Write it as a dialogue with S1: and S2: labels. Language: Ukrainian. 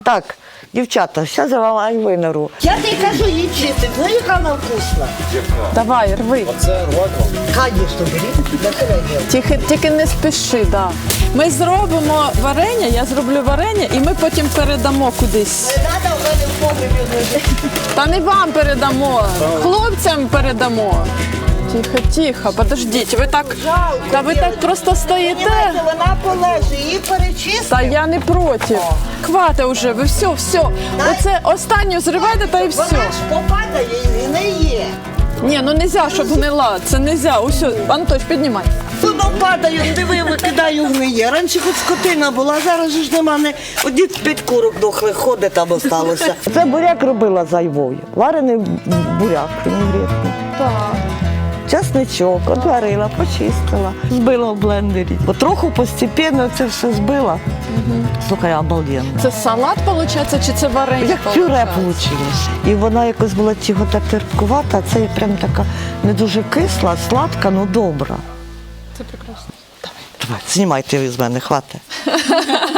S1: Так, дівчата, зараз я вам айви нару. Я тобі кажу, її чистить, ну яка вона вкусна.
S2: Давай, рви.
S3: Оце рвати вам?
S1: Конечно, беріть.
S2: Тільки не спіши, да. Ми зробимо варення, я зроблю варення, і ми потім передамо кудись.
S1: Не треба в мене в погребі лежить.
S2: Та не вам передамо, хлопцям передамо. Тихо, подождіть, ви так, та ви так просто стоїте.
S1: Понімаєте, вона полежить, її перечистимо.
S2: Та я не проти. Хватить уже, ви все. Оце останню зривайте та і все.
S1: Вона ж попадає і не є.
S2: Ні, ну нельзя, щоб гнила, це нельзя. Усьо, Антош, піднімай.
S1: Воно падає, диви, викидаю гниє. Раніше хоч скотина була, а зараз ж нема, не одні 5 курок дохлих ходить там осталося. Це буряк робила з айвою. Варений буряк вінігретний.
S2: Так.
S1: Часничок, отварила, почистила, збила в блендері. Потроху постепенно це все збила. Слухай, обалденно.
S2: Це салат, виходить, чи це варення?
S1: Як пюре вийшло. І вона якось була чого-то терпкувата, а це прям така не дуже кисла, сладка, але добра.
S2: Це прекрасно.
S1: Давай, знімайте ви з мене, хватить.